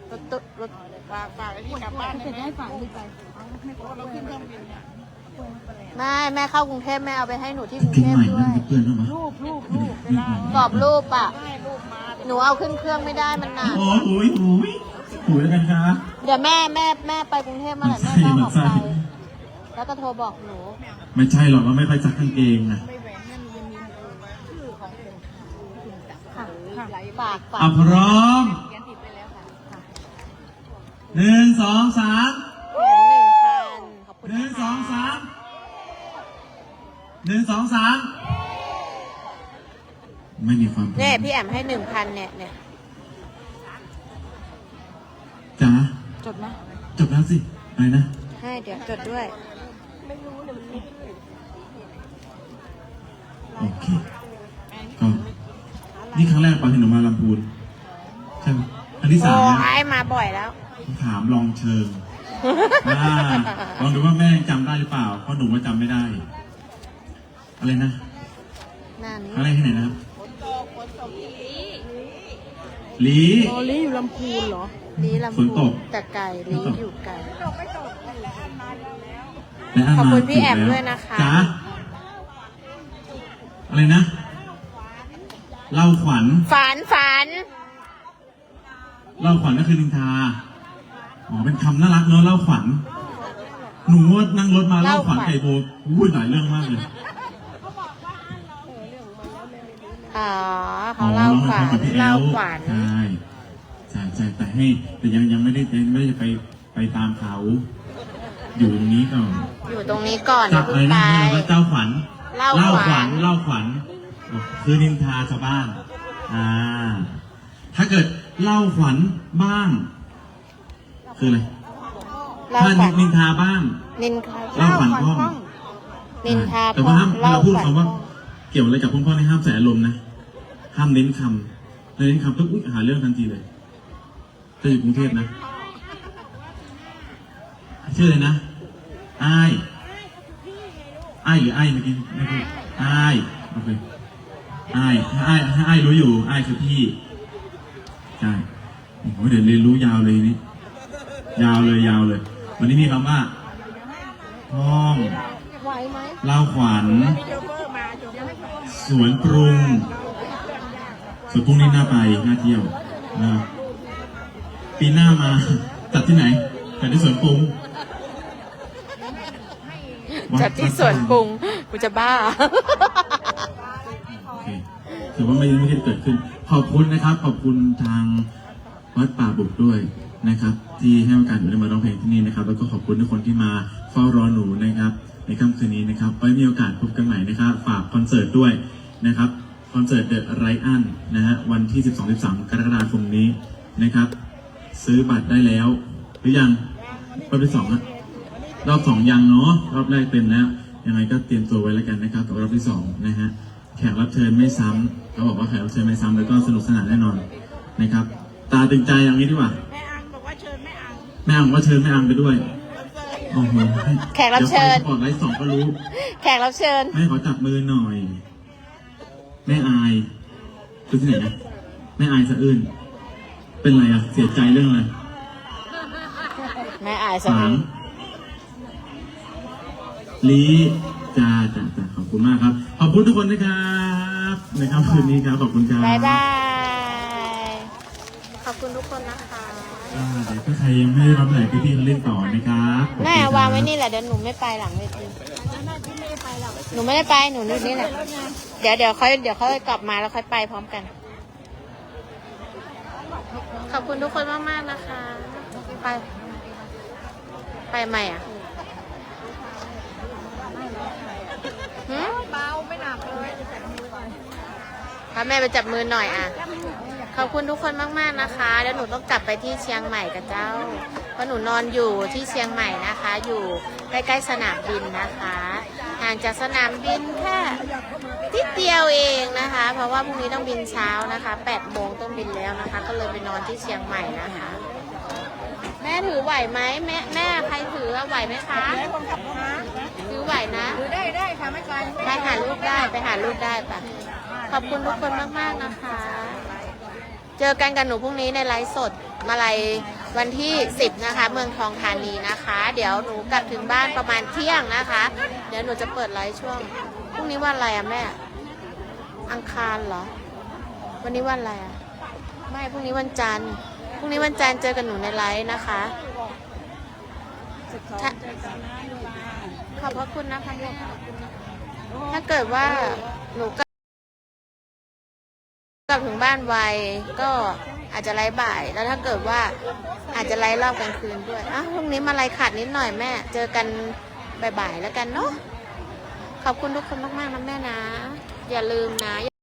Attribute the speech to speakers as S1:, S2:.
S1: รถฝากไอ้นี่กลับบ้านได้ไหมให้ฝากไปเราขึ้นเครื่องบินเนี่ย
S2: แม่เข้ากรุงเทพแม่เอาไปให้หนูที่กรุงเทพด้วย
S1: รูป
S2: กรอบรูปอ่ะ
S1: ได้รูปมา
S2: หนูเอาขึ้นเครื่องไม่ได้มันหนัก
S3: โอ้ยแล้วกันครับ
S2: เดี๋ยวแม่ไปกรุงเทพเมื่อไหร่แม่ก็ออกไปแล้วก็โทรบอกหนู
S3: ไม่ใช่หรอกเราไม่ไปซักกางเกงนะ
S1: ไม่แหวนนั่นยังมีชื่อของคุณ
S2: ค่ะฝาก
S3: พร้อม
S1: เขียนติดไปแล้วค่ะ
S3: 1 2 3
S2: 1,000ขอบคุณ
S3: 1 2 3 1 2 3ไม่มีความ
S2: เนี่ยพี่แอมให้ 1,000เนี่ย
S3: จ๋า
S1: จดไหม
S3: จบแล้วสิอะไรนะ
S2: ให้เดี๋ยวจดด้วย
S3: โอเคก็นี่ครั้งแรกปะที่หนูมาลำพูนใช่ไหมอันที่
S2: โอ้
S3: 3แล้ว
S2: ไอ้มาบ่อยแล้ว
S3: ถามลองเชิงลองดูว่าแม่จำได้หรือเปล่าเพราะหนูว่าจำไม่ได้ อะไรนะ
S2: นั่น
S3: อะไรที่ไหนนะครับลี
S1: โอลี่อยู่ลำพูนเหรอ
S2: ลีลำ
S3: ฝนต
S2: พู
S3: ก
S2: แต่ไก่ลีอยู่ไก่
S3: และน
S2: ขอบ
S3: มา
S2: คุณพี่แอม
S3: ถูก
S2: ด้วยนะคะ
S3: จ๋าอะไรนะเล่าขวัญ
S2: ฝัน
S3: เล่าขวัญก็คือนินทาอ๋อเป็นคำน่ารักเนอะเล่าขวัญหนูนั่งรถมาเล่าขวัญไก่โบพูดหลายเรื่องมากเลย
S2: อ๋อเขาเล่าฝัน
S3: กับพี่แอ
S2: เล่า
S3: ล
S2: ขวัญ
S3: ใช่แต่ยังไม่ได้จะไปตามเขาอยู่ตรงนี้ก่อน
S2: อยู่ตรงนี้ก่อน
S3: จั
S2: เดี๋ยว
S3: บ
S2: เพิ่
S3: อะไร
S2: งไป
S3: นะเจ้าขวัญ
S2: เล่าขวัญ
S3: เล่าขวัญคือนินทาชาวบ้านถ้าเกิดเล่าขวัญบ้างคืออะไร
S2: เล่า
S3: ถ้า
S2: ขวัญ
S3: นินทาบ้าง
S2: นินทา
S3: เล่าขวัญพ่อง
S2: นินทา
S3: แต่ว่าห้าม
S2: เล่า
S3: เราพูด
S2: ขวัญ
S3: คำว่าเกี่ยวอะไรกับพ่อในห้ามใส่อารมณ์นะห้ามเน้นคำเน้นคำปุ๊บหาเรื่องทันทีเลยจะอยู่กรุงเทพนะชื่ออะไรนะอ้ายหรือไอ้เมื่อกี้ไม่พูดอ้ายโอเคอ้ายรู้อยู่อ้ายคือพี่ใช่โอ้โหเดี๋ยวเรียนรู้ยาวเลยนี่ยาวเลยวันนี้มีคำว่าห้อง
S2: ไหวไหม
S3: เล่าขวัญ
S1: มีโชเฟอร์มาโชเฟอร์
S3: สวนปรุงนี่น่าไปน่าเที่ยวนะปีหน้ามาจัดที่ไหนจัดที่สวนปรุง
S2: จัดที่สวนปรุงกูจะบ้า
S3: โอเคถือว่าไม่ได้เกิดขึ้นขอบคุณนะครับขอบคุณทางวัดป่าบุกด้วยนะครับที่ให้โอกาสหนูได้มาร้องเพลงที่นี่นะครับแล้วก็ขอบคุณทุกคนที่มาเฝ้ารอหนูนะครับในค่ำคืนนี้นะครับไว้มีโอกาสพบกันใหม่นะครับฝากคอนเสิร์ตด้วยนะครับคอนเสิร์ต The Right Un นะฮะวันที่ 12-13 กรกฎาคมนี้นะครับซื้อบัตรได้แล้วหรือยังรอบที่2นะรอบ2ยังเนาะรอบแรกเต็มแล้วยังไงก็เตรียมตัวไว้แล้วกันนะครับกับรอบที่2นะฮะแขกรับเชิญไม่ซ้ำเขาบอกว่าแขกรับเชิญไม่ซ้ำแล้วก็สนุกสนานแน่นอนนะครับตาตึงใจอย่างนี้ดีกว่า
S1: แม่อังบอกว่าเชิญแม่อัง
S3: แม่อังว่าเชิญแม่อังไปด้วยโอ้โห
S2: แขกรับเชิญ
S3: ดี๋ยวไปก่อนไลฟ์2ก็รู้
S2: แขกรับเชิญ
S3: แม่ขอจับมือหน่อยแม่อายคือที่ไหนนะแม่อายสะอื้นเป็นไรอะเสียใจเรื่องอะไร
S2: แม่อายสัก
S3: ฝางลีจ้าขอบคุณมากครับขอบคุณทุกคนนะครับในค่ำคืนนี้ครับขอบคุณครับ
S2: บายบายขอบคุณทุกคนนะคะ
S3: เดี๋ยวถ้าใครยังไม่ได้รับไหนพี่ๆเขาเล่นต่อนะครับขอบคุณ
S2: แม่
S3: ครับ
S2: วางไว้นี่แหละเดี๋ยวหนูไม่ไปหลังเวทีหนูไม่ได้ไปหนูอยู่นี่แหละเดี๋ยวค่อยกลับมาแล้วค่อยไปพร้อมกัน ขอบคุณทุกคนมากๆนะคะไปใหม่อ่ะ
S1: เบาไม่หนักเลย
S2: พาแม่ไปจับมือหน่อยอ่ะขอบคุณทุกคนมากๆนะคะแล้วหนูต้องกลับไปที่เชียงใหม่กับเจ้าเพราะหนูนอนอยู่ที่เชียงใหม่นะคะ อยู่ใกล้ๆสนามบินนะคะห่างจากสนามบินแค่นิดเดียวเองนะคะ เพราะว่าพรุ่งนี้ต้องบินเช้านะคะ8 โมงต้องบินแล้วนะคะ ก็เลยไปนอนที่เชียงใหม่นะคะ แม่ถือไหวไหมแม่ใครถือไหวไหมคะถือไหวนะ
S1: ถือได้ค่ะไม่ไกล
S2: ไปหาลูกได้ปะขอบคุณทุกคนมากๆนะคะ เจอกันกับหนูพรุ่งนี้ในไลฟ์สดมาลัยวันที่10นะคะเมืองทองธานีนะคะ เดี๋ยวหนูกลับถึงบ้านประมาณเที่ยงนะคะ เดี๋ยวหนูจะเปิดไลฟ์ช่วงพรุ่งนี้วันอะไรอะแม่อังคารเหรอวันนี้วันอะไรอะไม่พรุ่งนี้วันจันทร์พรุ่งนี้วันจันทร์เจอกันหนูในไลฟ์นะคะขอบพระคุณนะคะลูกถ้าเกิดว่าหนูกลับถึงบ้านไวก็อาจจะไลฟ์บ่ายแล้วถ้าเกิดว่าอาจจะไลฟ์รอบกลางคืนด้วยพรุ่งนี้มาไลฟ์ขาดนิดหน่อยแม่เจอกันบ่ายๆแล้วกันเนาะขอบคุณทุกคนมากๆนะแม่นะอย่าลืมนะ